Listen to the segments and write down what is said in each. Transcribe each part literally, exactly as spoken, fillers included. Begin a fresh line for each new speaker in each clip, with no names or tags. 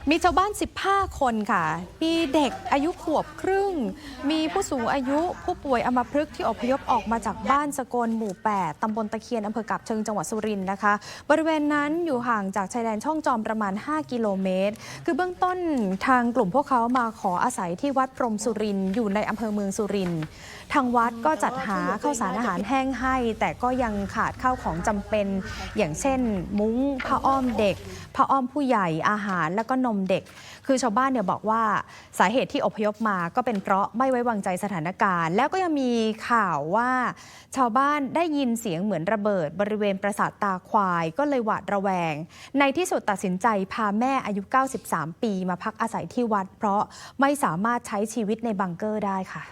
มีชาวบ้านสิบห้าคนค่ะมีเด็กอายุขวบครึ่งมีผู้สูงอายุผู้ป่วยอัมพฤกษ์ที่อพยพออกมาจากบ้านสกลหมู่แปดตำบลตะเคียนอำเภอกาบเชิงจังหวัดสุรินทร์นะคะบริเวณนั้นอยู่ห่างจากชายแดนช่องจอมประมาณห้ากิโลเมตรคือเบื้องต้นทางกลุ่มพวกเขามาขออาศัยที่วัดพรหมสุรินทร์อยู่ในอำเภอเมืองสุรินทร์ทางวัดก็จัดหาข้าวสารอาหารแห้งให้แต่ก็ยังขาดข้าวของจำเป็นอย่างเช่นมุ้งผ้าอ้อมเด็กผ้าอ้อมผู้ใหญ่อาหารแล้วก็นมเด็กคือชาวบ้านเนี่ยบอกว่าสาเหตุที่อพยพมาก็เป็นเพราะไม่ไว้วางใจสถานการณ์แล้วก็ยังมีข่าวว่าชาวบ้านได้ยินเสียงเหมือนระเบิดบริเวณปราสาทตาควายก็เลยหวาดระแวงในที่สุดตัดสินใจพาแม่อายุเก้าสิบสามปีมาพักอาศัยที่วัดเพราะไม่สามารถใช้ชีวิตในบังเกอร์ได้ค่ะ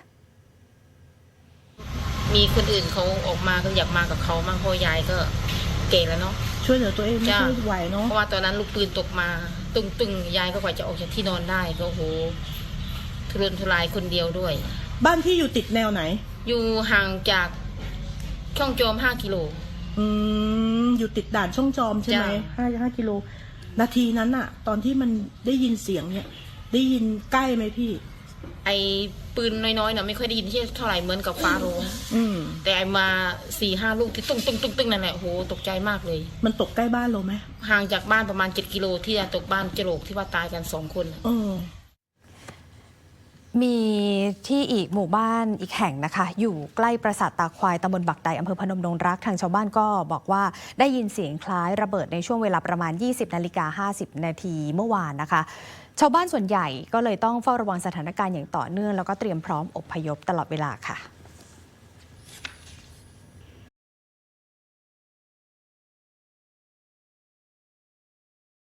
มีคนอื่นเขาออกมาก็อยากมากับเขามั่งเพราะยายก็เก่แล้วเนาะ
ช่วยเหลือตัวเองไม่ค่อยไหวเนาะ
เพราะว่าตอนนั้นลูกปืนตกมาตึงตึงยายก็กว่าจะออกจากที่นอนได้ก็โหทุรนทุรายคนเดียวด้วย
บ้านที่อยู่ติดแนวไหน
อยู่ห่างจากช่องจอมห้ากิโล
อืมอยู่ติดด่านช่องจอมใช่ไหมห้าห้ากิโลนาทีนั้นอะตอนที่มันได้ยินเสียงเนี่ยได้ยินใกล้ไหมพี่
ไอปืนน้อยๆเนาะไม่ค่อยได้ยินที่เท่าไหร่เหมือนกับฟ้าร้องแต่ไอมาสี่ห้าลูกที่ตุ้งตุ้งตุ้งตุ้งนั่นแหละโหตกใจมากเลย
มันตกใกล้บ้านเราไหม
ห่างจากบ้านประมาณเจ็ดกิโลที่ตกบ้านเจโรกที่ว่าตายกันสองคน
มีที่อีกหมู่บ้านอีกแห่งนะคะอยู่ใกล้ปราสาทตาควายตำบลบักไดอำเภอพนมดงรักทางชาวบ้านก็บอกว่าได้ยินเสียงคล้ายระเบิดในช่วงเวลาประมาณ ยี่สิบนาฬิกาห้าสิบนาทีเมื่อวานนะคะชาวบ้านส่วนใหญ่ก็เลยต้องเฝ้าระวังสถานการณ์อย่างต่อเนื่องแล้วก็เตรียมพร้อมอพยพตลอดเวลาค่ะ